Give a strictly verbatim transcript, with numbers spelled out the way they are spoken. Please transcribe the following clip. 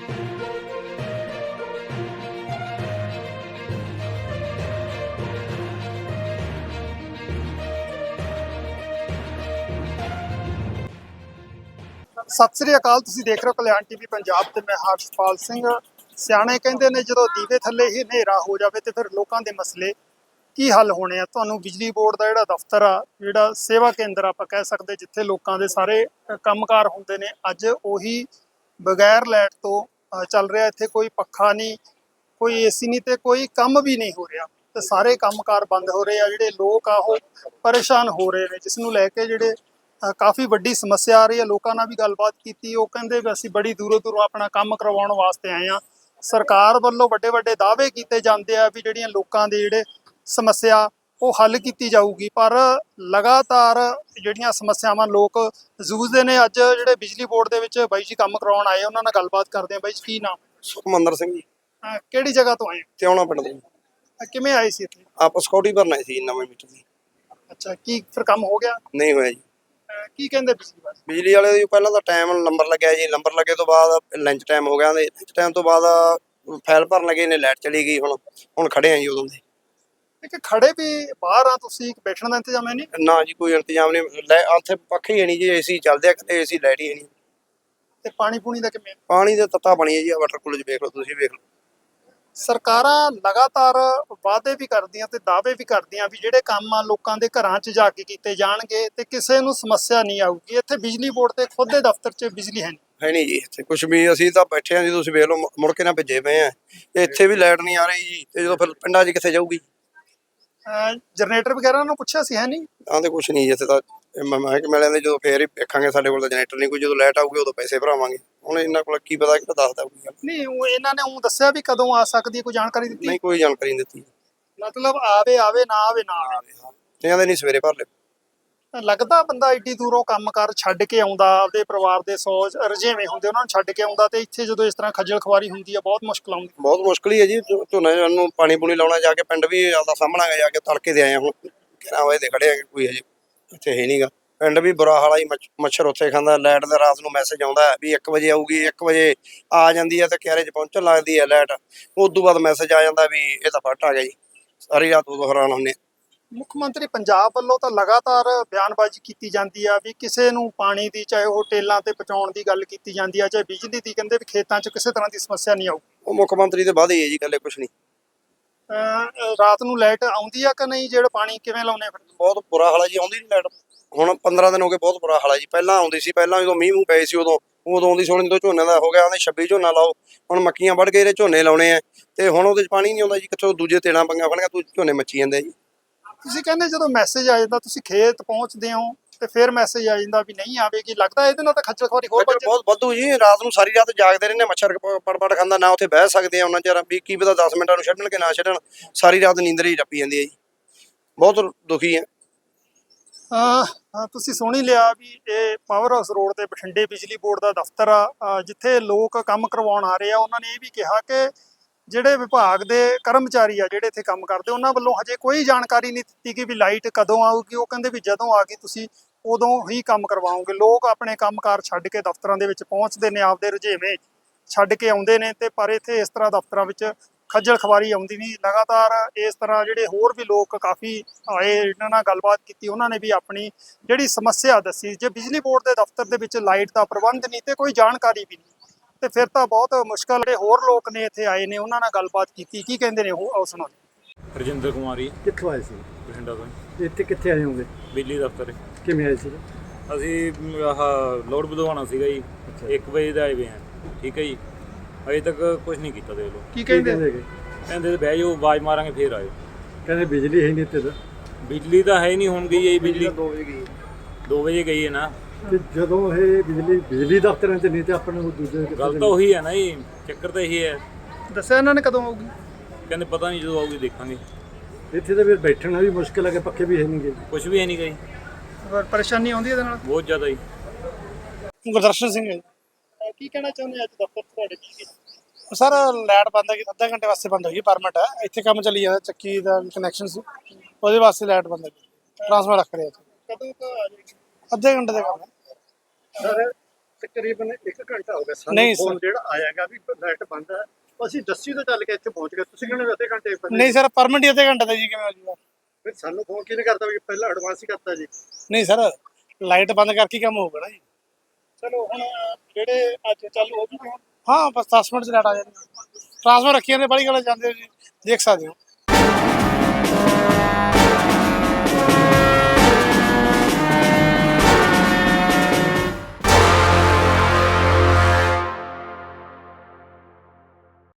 ਸਤਿ ਸ੍ਰੀ ਅਕਾਲ। ਤੁਸੀਂ ਦੇਖ ਰਹੇ ਹੋ ਕਲਿਆਣ ਟੀਵੀ ਪੰਜਾਬ ਤੇ ਮੈਂ ਹਰਸ਼ਪਾਲ ਸਿੰਘ। ਸਿਆਣੇ ਕਹਿੰਦੇ ਨੇ ਜਦੋਂ ਦੀਵੇ ਥੱਲੇ ਹੀ ਹਨੇਰਾ ਹੋ ਜਾਵੇ ਤੇ ਫਿਰ ਲੋਕਾਂ ਦੇ ਮਸਲੇ ਕੀ ਹੱਲ ਹੋਣੇ ਆ। ਤੁਹਾਨੂੰ ਬਿਜਲੀ ਬੋਰਡ ਦਾ ਜਿਹੜਾ ਦਫ਼ਤਰ ਆ, ਜਿਹੜਾ ਸੇਵਾ ਕੇਂਦਰ ਆਪਾਂ ਕਹਿ ਸਕਦੇ, ਜਿੱਥੇ ਲੋਕਾਂ ਦੇ ਸਾਰੇ ਕੰਮਕਾਰ ਹੁੰਦੇ ਨੇ, ਅੱਜ ਉਹੀ ਬਗੈਰ ਲਾਈਟ ਤੋਂ ਚੱਲ ਰਿਹਾ। ਇੱਥੇ ਕੋਈ ਪੱਖਾ ਨਹੀਂ, ਕੋਈ ਏਸੀ ਨਹੀਂ ਤੇ ਕੋਈ ਕੰਮ ਵੀ ਨਹੀਂ ਹੋ ਰਿਹਾ ਤੇ ਸਾਰੇ ਕੰਮਕਾਰ ਬੰਦ ਹੋ ਰਹੇ ਆ। ਜਿਹੜੇ ਲੋਕ ਆ ਉਹ ਪਰੇਸ਼ਾਨ ਹੋ ਰਹੇ ਨੇ, ਜਿਸ ਨੂੰ ਲੈ ਕੇ ਜਿਹੜੇ ਕਾਫੀ ਵੱਡੀ ਸਮੱਸਿਆ ਆ ਰਹੀ ਹੈ। ਲੋਕਾਂ ਨਾਲ ਵੀ ਗੱਲਬਾਤ ਕੀਤੀ, ਉਹ ਕਹਿੰਦੇ ਵੀ ਅਸੀਂ ਬੜੀ ਦੂਰੋਂ ਦੂਰੋਂ ਆਪਣਾ ਕੰਮ ਕਰਵਾਉਣ ਵਾਸਤੇ ਆਏ ਹਾਂ। ਸਰਕਾਰ ਵੱਲੋਂ ਵੱਡੇ ਵੱਡੇ ਦਾਅਵੇ ਕੀਤੇ ਜਾਂਦੇ ਆ ਵੀ ਜਿਹੜੀਆਂ ਲੋਕਾਂ ਦੇ ਜਿਹੜੇ ਸਮੱਸਿਆ ਉਹ ਹੱਲ ਕੀਤੀ ਜਾਊਗੀ, ਪਰ ਲਗਾਤਾਰ ਜਿਹੜੀਆਂ ਸਮੱਸਿਆਵਾਂ ਲੋਕ ਜੂਝਦੇ ਨੇ। ਅੱਜ ਜਿਹੜੇ ਬਿਜਲੀ ਬੋਰਡ ਦੇ ਵਿੱਚ ਬਾਈ ਜੀ ਕੰਮ ਕਰਵਾਉਣ ਆਏ, ਉਹਨਾਂ ਨਾਲ ਗੱਲਬਾਤ ਕਰਦੇ ਆ। ਬਾਈ ਜੀ ਕੀ ਨਾਮ? ਸੁਖਮੰਦਰ ਸਿੰਘ ਜੀ। ਕਿਹੜੀ ਜਗ੍ਹਾ ਤੋਂ ਆਏ? ਤਿਉਣਾ ਪਿੰਡ ਦੇ। ਕਿਵੇਂ ਆਏ ਸੀ ਇੱਥੇ? ਆਪਾਂ ਸਿਕਿਉਰਿਟੀ ਭਰਨਾ ਸੀ ਨਵੇਂ ਮੀਟਰ ਦੀ। ਅੱਛਾ, ਕੀ ਫਿਰ ਕੰਮ ਹੋ ਗਿਆ? ਨਹੀਂ ਹੋਇਆ ਜੀ। ਕੀ ਕਹਿੰਦੇ ਬਿਜਲੀ ਵਾਲੇ? ਬਿਜਲੀ ਵਾਲੇ ਦੀ ਪਹਿਲਾਂ ਤਾਂ ਟਾਈਮ ਨੰਬਰ ਲੱਗਿਆ ਜੀ, ਨੰਬਰ ਲੱਗੇ ਤੋਂ ਬਾਅਦ ਲੰਚ ਟਾਈਮ ਹੋ ਗਿਆ। ਲੰਚ ਟਾਈਮ ਤੋਂ ਬਾਅਦ ਫਾਈਲ ਭਰਨ ਲੱਗੇ ਨੇ, ਲਾਈਟ ਚਲੀ ਗਈ। ਹੁਣ ਹੁਣ ਖੜੇ ਆ ਜੀ ਉਦੋਂ ਦੇ। ਇੱਕ ਖੜੇ ਵੀ ਬਾਹਰ ਆ ਤੁਸੀਂ, ਬੈਠਣ ਦਾ ਇੰਤਜ਼ਾਮ ਹੈ ਨਹੀਂ? ਨਾ ਜੀ, ਕੋਈ ਇੰਤਜ਼ਾਮ ਨਹੀਂ। ਉੱਥੇ ਪੱਖੇ ਹੀ ਨਹੀਂ ਜੀ, ਏਸੀ ਚੱਲਦੇ ਆ, ਕਿਤੇ ਏਸੀ ਲਾਈਟ ਹੀ ਨਹੀਂ। ਤੇ ਪਾਣੀ ਪੂਣੀ ਦਾ ਕਿਵੇਂ? ਪਾਣੀ ਦੇ ਤੱਤਾ ਬਣੀ ਹੈ ਜੀ, ਵਾਟਰ ਕੂਲਰ 'ਚ ਵੇਖ ਲਓ, ਤੁਸੀਂ ਵੇਖ ਲਓ। ਸਰਕਾਰਾਂ ਲਗਾਤਾਰ ਵਾਅਦੇ ਵੀ ਕਰਦੀਆਂ ਤੇ ਦਾਅਵੇ ਵੀ ਕਰਦੀਆਂ ਵੀ ਜਿਹੜੇ ਕੰਮ ਆ ਲੋਕਾਂ ਦੇ ਘਰਾਂ 'ਚ ਜਾ ਕੇ ਕੀਤੇ ਜਾਣਗੇ ਤੇ ਕਿਸੇ ਨੂੰ ਸਮੱਸਿਆ ਨਹੀਂ ਆਊਗੀ। ਇੱਥੇ ਬਿਜਲੀ ਬੋਰਡ ਤੇ ਖੁਦ ਦੇ ਦਫ਼ਤਰ 'ਚ ਬਿਜਲੀ ਹੈ ਨਹੀਂ ਹੈ ਨਹੀਂ ਜੀ ਇੱਥੇ ਕੁਛ ਵੀ। ਅਸੀਂ ਤਾਂ ਬੈਠੇ ਹਾਂ ਜੀ, ਤੁਸੀਂ ਵੇਖ ਲਓ, ਮੁੜ ਕੇ ਨਾ ਭੇਜੇ ਪਏ ਆ। ਇੱਥੇ ਵੀ ਲਾਈਟ ਨਹੀਂ ਆ ਰਹੀ ਜੀ, ਤੇ ਜਦੋਂ ਫਿਰ ਪਿੰਡਾਂ 'ਚ ਕਿੱਥੇ ਜਾਊਗੀ? ਜਨਰੇਟਰ ਵਗੈਰਾ ਨੂੰ ਪੁੱਛਿਆ ਸੀ, ਹੈ ਨਹੀਂ? ਆਂਦੇ ਕੁਛ ਨਹੀਂ ਇੱਥੇ ਤਾਂ। ਮੈਂ ਕਿ ਮਿਲਿਆ ਜਦੋਂ ਫੇਰ ਹੀ ਵੇਖਾਂਗੇ, ਸਾਡੇ ਕੋਲ ਤਾਂ ਜਨਰੇਟਰ ਨਹੀਂ ਕੋਈ। ਜਦੋਂ ਲਾਈਟ ਆਊਗੀ ਉਦੋਂ ਪੈਸੇ ਭਰਾਵਾਂਗੇ। ਹੁਣ ਇਹਨਾਂ ਕੋਲ ਕੀ ਪਤਾ, ਕਿ ਦੱਸਦਾ ਕੋਈ ਗੱਲ ਨਹੀਂ। ਉਹ ਇਹਨਾਂ ਨੇ ਉਹ ਦੱਸਿਆ ਵੀ ਕਦੋਂ ਆ ਸਕਦੀ ਹੈ, ਕੋਈ ਜਾਣਕਾਰੀ ਦਿੱਤੀ? ਨਹੀਂ, ਕੋਈ ਜਾਣਕਾਰੀ ਨਹੀਂ ਦਿੱਤੀ। ਮਤਲਬ ਆਵੇ ਆਵੇ, ਨਾ ਆਵੇ ਨਾ ਆਵੇ। ਤੇ ਕਹਿੰਦੇ ਨਹੀਂ ਸਵੇਰੇ ਭਰ ਲਿਓ। ਲੱਗਦਾ ਬੰਦਾ ਏਡੀ ਦੂਰੋਂ ਕੰਮਕਾਰ ਛੱਡ ਕੇ ਆਉਂਦਾ, ਆਪਦੇ ਪਰਿਵਾਰ ਦੇ ਸੌ ਰੁਝੇਵੇਂ ਹੁੰਦੇ, ਉਹਨਾਂ ਨੂੰ ਛੱਡ ਕੇ ਆਉਂਦਾ ਤੇ ਇੱਥੇ ਜਦੋਂ ਇਸ ਤਰ੍ਹਾਂ ਖੱਜਲ ਖੁਆਰੀ ਹੁੰਦੀ ਆ, ਬਹੁਤ ਮੁਸ਼ਕਲ ਆਉਂਦੀ। ਬਹੁਤ ਮੁਸ਼ਕਲ ਹੀ ਹੈ ਜੀ। ਝੋਨੇ ਨੂੰ ਪਾਣੀ ਪੂਣੀ ਲਾਉਣਾ, ਜਾ ਕੇ ਪਿੰਡ ਵੀ ਆਪਦਾ ਸਾਹਮਣਾ ਜਾ ਕੇ ਤੜਕੇ ਦੇ ਆਏ। ਹੁਣ ਕਿਹਨਾਂ ਵਜੇ ਦੇ ਖੜੇ ਆ, ਕੋਈ ਹਜੇ ਇੱਥੇ ਹੈ ਨਹੀਂਗਾ। ਪਿੰਡ ਵੀ ਬੁਰਾ ਹਾਲ ਆ ਜੀ, ਮੱਛਰ ਉੱਥੇ ਖਾਂਦਾ। ਲਾਈਟ ਦਾ ਰਾਤ ਨੂੰ ਮੈਸੇਜ ਆਉਂਦਾ ਵੀ ਇੱਕ ਵਜੇ ਆਊਗੀ, ਇੱਕ ਵਜੇ ਆ ਜਾਂਦੀ ਹੈ ਤੇ ਕਿਆਰੇ 'ਚ ਪਹੁੰਚਣ ਲੱਗਦੀ ਹੈ ਲਾਈਟ। ਉਸ ਤੋਂ ਬਾਅਦ ਮੈਸੇਜ ਆ ਜਾਂਦਾ ਵੀ ਇਹ ਤਾਂ ਫਟ ਆ ਗਿਆ ਜੀ। ਸਾਰੀ ਰਾਤ ਉਦੋਂ ਹੈਰਾਨ ਹੁੰਦੇ। ਮੁੱਖ ਮੰਤਰੀ ਪੰਜਾਬ ਵੱਲੋਂ ਤਾਂ ਲਗਾਤਾਰ ਬਿਆਨਬਾਜ਼ੀ ਕੀਤੀ ਜਾਂਦੀ ਆ ਵੀ ਕਿਸੇ ਨੂੰ ਪਾਣੀ ਦੀ, ਚਾਹੇ ਉਹ ਟੇਲਾਂ ਤੇ ਪਹੁੰਚਾਉਣ ਦੀ ਗੱਲ ਕੀਤੀ ਜਾਂਦੀ ਆ, ਚਾਹੇ ਬਿਜਲੀ ਦੀ, ਕਹਿੰਦੇ ਵੀ ਖੇਤਾਂ 'ਚ ਕਿਸੇ ਤਰ੍ਹਾਂ ਦੀ ਸਮੱਸਿਆ ਨਹੀਂ ਆਊ। ਉਹ ਮੁੱਖ ਮੰਤਰੀ ਦੇ ਵਾਅਦੇ ਹੀ ਹੈ ਜੀ, ਇਕੱਲੇ ਕੁਛ ਨਹੀਂ। ਰਾਤ ਨੂੰ ਲਾਈਟ ਆਉਂਦੀ ਆ ਕਿ ਨਹੀਂ? ਜਿਹੜਾ ਪਾਣੀ ਕਿਵੇਂ ਲਾਉਣੇ? ਫਿਰ ਬਹੁਤ ਬੁਰਾ ਹਾਲ ਹੈ ਜੀ, ਆਉਂਦੀ ਨਹੀਂ ਲਾਈਟ। ਹੁਣ ਪੰਦਰਾਂ ਦਿਨ ਹੋ ਗਏ, ਬਹੁਤ ਬੁਰਾ ਹਾਲ ਹੈ ਜੀ। ਪਹਿਲਾਂ ਆਉਂਦੀ ਸੀ, ਪਹਿਲਾਂ ਜਦੋਂ ਮੀਂਹ ਮੂੰਹ ਪਏ ਸੀ ਉਦੋਂ ਉਦੋਂ ਆਉਂਦੀ ਸੋਣੀ। ਜਦੋਂ ਝੋਨੇ ਦਾ ਹੋ ਗਿਆ, ਆਂਦੇ ਛੱਬੀ ਝੋਨਾ ਲਾਓ। ਹੁਣ ਮੱਕੀਆਂ ਵੱਢ ਕੇ ਇਹਦੇ ਝੋਨੇ ਲਾਉਣੇ ਆ ਤੇ ਹੁਣ ਉਹਦੇ 'ਚ ਪਾਣੀ ਨਹੀਂ ਆਉਂਦਾ ਜੀ। ਕਿੱਥੋਂ ਦੂਜੇ ਤੇੜਾਂ ਪੰਗਾਂ ਫੜੀਆਂ, ਤੂੰ ਝੋਨੇ ਮੱਚੀ ਜਾਂਦੇ ਜੀ। ਤੁਸੀਂ ਕਹਿੰਦੇ ਜਦੋਂ ਮੈਸੇਜ ਆ ਜਾਂਦਾ, ਤੁਸੀਂ ਖੇਤ ਪਹੁੰਚਦੇ ਹੋ ਤੇ ਫਿਰ ਮੈਸੇਜ ਆ ਜਾਂਦਾ ਵੀ ਨਹੀਂ ਆਵੇਗੀ, ਲੱਗਦਾ ਇਹਦੇ ਨਾਲ ਤਾਂ ਖੱਜਲ ਖੁਆਰੀ ਹੋਰ ਵੱਧ ਜਾਂਦੀ। ਬਹੁਤ ਵਾਧੂ ਜੀ। ਰਾਤ ਨੂੰ ਸਾਰੀ ਰਾਤ ਜਾਗਦੇ ਰਹਿੰਦੇ, ਮੱਛਰ ਪੜ ਪੜ ਖਾਂਦਾ। ਨਾ ਉੱਥੇ ਬਹਿ ਸਕਦੇ ਆ ਉਹਨਾਂ ਚਿਰ, ਵੀ ਕੀ ਪਤਾ ਦਸ ਮਿੰਟਾਂ ਨੂੰ ਛੱਡਣ ਕਿ ਨਾ ਛੱਡਣ। ਸਾਰੀ ਰਾਤ ਨੀਂਦਰ ਹੀ ਟੱਪੀ ਜਾਂਦੀ ਹੈ ਜੀ। ਬਹੁਤ ਦੁਖੀ ਹੈ। ਹਾਂ, ਤੁਸੀਂ ਸੁਣ ਹੀ ਲਿਆ ਵੀ ਇਹ ਪਾਵਰ ਹਾਊਸ ਰੋਡ ਤੇ ਬਠਿੰਡੇ ਬਿਜਲੀ ਬੋਰਡ ਦਾ ਦਫ਼ਤਰ ਆ, ਜਿੱਥੇ ਲੋਕ ਕੰਮ ਕਰਵਾਉਣ ਆ ਰਹੇ ਆ। ਉਹਨਾਂ ਨੇ ਇਹ ਵੀ ਕਿਹਾ ਕਿ ਜਿਹੜੇ ਵਿਭਾਗ ਦੇ ਕਰਮਚਾਰੀ ਆ ਜਿਹੜੇ ਇੱਥੇ ਕੰਮ ਕਰਦੇ, ਉਹਨਾਂ ਵੱਲੋਂ ਹਜੇ ਕੋਈ ਜਾਣਕਾਰੀ ਨਹੀਂ ਦਿੱਤੀ ਕਿ ਵੀ ਲਾਈਟ ਕਦੋਂ ਆਊਗੀ। ਉਹ ਕਹਿੰਦੇ ਵੀ ਜਦੋਂ ਆ ਗਈ ਤੁਸੀਂ ਉਦੋਂ ਹੀ ਕੰਮ ਕਰਵਾਓਗੇ। ਲੋਕ ਆਪਣੇ ਕੰਮਕਾਰ ਛੱਡ ਕੇ ਦਫ਼ਤਰਾਂ ਦੇ ਵਿੱਚ ਪਹੁੰਚਦੇ ਨੇ, ਆਪਦੇ ਰੁਝੇਵੇਂ ਛੱਡ ਕੇ ਆਉਂਦੇ ਨੇ ਤੇ ਪਰ ਇੱਥੇ ਇਸ ਤਰ੍ਹਾਂ ਦਫ਼ਤਰਾਂ ਵਿੱਚ ਖੱਜਲ ਖਵਾਰੀ ਆਉਂਦੀ ਨਹੀਂ। ਲਗਾਤਾਰ ਇਸ ਤਰ੍ਹਾਂ ਜਿਹੜੇ ਹੋਰ ਵੀ ਲੋਕ ਕਾਫੀ ਆਏ, ਇਹਨਾਂ ਨਾਲ ਗੱਲਬਾਤ ਕੀਤੀ, ਉਹਨਾਂ ਨੇ ਵੀ ਆਪਣੀ ਜਿਹੜੀ ਸਮੱਸਿਆ ਦੱਸੀ। ਜੇ ਬਿਜਲੀ ਬੋਰਡ ਦੇ ਦਫ਼ਤਰ ਦੇ ਵਿੱਚ ਲਾਈਟ ਦਾ ਪ੍ਰਬੰਧ ਨਹੀਂ ਤੇ ਕੋਈ ਜਾਣਕਾਰੀ ਵੀ ਨਹੀਂ ਤੇ ਫਿਰ ਤਾਂ ਬਹੁਤ ਮੁਸ਼ਕਲ। ਜਿਹੜੇ ਹੋਰ ਲੋਕ ਨੇ ਇੱਥੇ ਆਏ ਨੇ, ਉਹਨਾਂ ਨਾਲ ਗੱਲਬਾਤ ਕੀਤੀ, ਕੀ ਕਹਿੰਦੇ ਨੇ ਉਹ ਆਓ ਸੁਣੋ। ਰਜਿੰਦਰ ਕੁਮਾਰੀ। ਕਿੱਥੋਂ ਆਏ ਸੀ? ਬਠਿੰਡਾ ਤੋਂ। ਇੱਥੇ ਕਿੱਥੇ ਆਏ ਹੋਗੇ? ਬਿਜਲੀ ਦਫ਼ਤਰ। ਕਿਵੇਂ ਆਏ ਸੀ? ਅਸੀਂ ਆਹ ਲੋਡ ਵਧਵਾਉਣਾ ਸੀਗਾ ਜੀ, ਇੱਕ ਵਜੇ ਦਾ ਆਏ ਵੇ ਹਾਂ। ਠੀਕ ਹੈ ਜੀ, ਅਜੇ ਤੱਕ ਕੁਝ ਨਹੀਂ ਕੀਤਾ। ਦੇਖ ਲਓ ਕੀ ਕਹਿੰਦੇ ਹੈਗੇ? ਕਹਿੰਦੇ ਬਹਿ ਜਾਓ, ਆਵਾਜ਼ ਮਾਰਾਂਗੇ ਫੇਰ ਆਇਓ। ਕਹਿੰਦੇ ਬਿਜਲੀ ਹੈ ਨਹੀਂ ਇੱਥੇ ਤਾਂ। ਬਿਜਲੀ ਤਾਂ ਹੈ ਨਹੀਂ, ਹੁਣ ਗਈ ਹੈ ਬਿਜਲੀ। ਦੋ ਵਜੇ ਗਈ ਦੋ ਵਜੇ ਗਈ ਹੈ ਨਾ। ਤੇ ਜਦੋਂ ਇਹ ਬਿਜਲੀ ਬਿਜਲੀ ਦਫ਼ਤਰਾਂ 'ਚ ਨਹੀਂ ਤੇ ਆਪਣੇ ਨੂੰ ਦੂਜੇ ਗੱਲ ਤਾਂ ਉਹੀ ਹੈ ਨਾ ਜੀ, ਚੱਕਰ ਤਾਂ ਇਹੀ ਹੈ। ਦੱਸਿਆ ਇਹਨਾਂ ਨੇ ਕਦੋਂ ਆਊਗੀ? ਕਹਿੰਦੇ ਪਤਾ ਨਹੀਂ, ਜਦੋਂ ਆਊਗੀ ਦੇਖਾਂਗੇ। ਇੱਥੇ ਤਾਂ ਫਿਰ ਬੈਠਣਾ ਵੀ ਮੁਸ਼ਕਿਲ ਹੈ ਕਿ ਪੱਖੇ ਵੀ ਹੈ ਨਹੀਂ ਗੇ। ਕੁਝ ਵੀ ਹੈ ਨਹੀਂ ਗਈ, ਪਰੇਸ਼ਾਨੀ ਆਉਂਦੀ ਇਹਦੇ ਨਾਲ ਬਹੁਤ ਜ਼ਿਆਦਾ ਜੀ। ਗੁਰਦਰਸ਼ਨ ਸਿੰਘ ਹੈ। ਕੀ ਕਹਿਣਾ ਚਾਹੁੰਦੇ ਅੱਜ ਦਫ਼ਤਰ ਤੁਹਾਡੇ? ਕੀ ਸਰ ਲਾਈਟ ਬੰਦ ਹੈ, ਅੱਧੇ ਘੰਟੇ ਵਾਸਤੇ ਬੰਦ ਹੋਈ, ਪਰਮਿਟ ਹੈ। ਇੱਥੇ ਕੰਮ ਚੱਲੀ ਜਾਂਦਾ, ਚੱਕੀ ਦਾ ਕਨੈਕਸ਼ਨ ਸੀ, ਉਹਦੇ ਵਾਸਤੇ ਲਾਈਟ ਬੰਦ ਹੈ। ਟਰਾਂਸਫਰ ਰੱਖ ਰਿਹਾ ਕਦੋਂ ਕੁ ਆ ਜਾਏਗੀ? ਅੱਧੇ ਘੰਟੇ ਦਾ ਕੰਮ ਹੈ। ਸਰ ਤਕਰੀਬਨ ਇੱਕ ਘੰਟਾ ਹੋ ਗਿਆ ਸਾਨੂੰ ਨਹੀਂ ਫੋਨ ਸਰ। ਜਿਹੜਾ ਆਇਆਗਾ ਵੀ ਲਾਈਟ ਬੰਦ ਹੈ ਅਸੀਂ ਦੱਸੀ ਤੋਂ ਚੱਲ ਕੇ ਇੱਥੇ ਪਹੁੰਚ ਗਏ ਤੁਸੀਂ ਕਹਿੰਦੇ ਵੀ ਅੱਧੇ ਘੰਟੇ ਪਹਿਲੇ ਨਹੀਂ ਸਰ ਪਰਮਿਟ ਹੀ ਅੱਧੇ ਘੰਟੇ ਦਾ ਜੀ ਕਿਵੇਂ ਹੋ ਜੂਗਾ। ਫਿਰ ਸਾਨੂੰ ਫੋਨ ਕਿਹਨੇ ਕਰਤਾ ਵੀ ਪਹਿਲਾਂ ਐਡਵਾਂਸ ਹੀ ਕਰਤਾ ਜੀ। ਨਹੀਂ ਸਰ ਲਾਈਟ ਬੰਦ ਕਰਕੇ ਹੀ ਕੰਮ ਹੋਊਗਾ ਨਾ ਜੀ। ਚਲੋ ਹੁਣ ਜਿਹੜੇ ਅੱਜ ਚਾਲੂ ਹੋ ਗਏ ਹੁਣ ਹਾਂ ਬਸ ਦਸ ਮਿੰਟ ਚ ਲਾਈਟ ਆ ਜਾਣੀ। ਟ੍ਰਾਂਸਫਰ ਰੱਖੀਆਂ ਨੇ ਬੜੀ ਗੱਲ ਜਾਂਦੇ ਹੋ ਜੀ ਦੇਖ ਸਕਦੇ ਹੋ।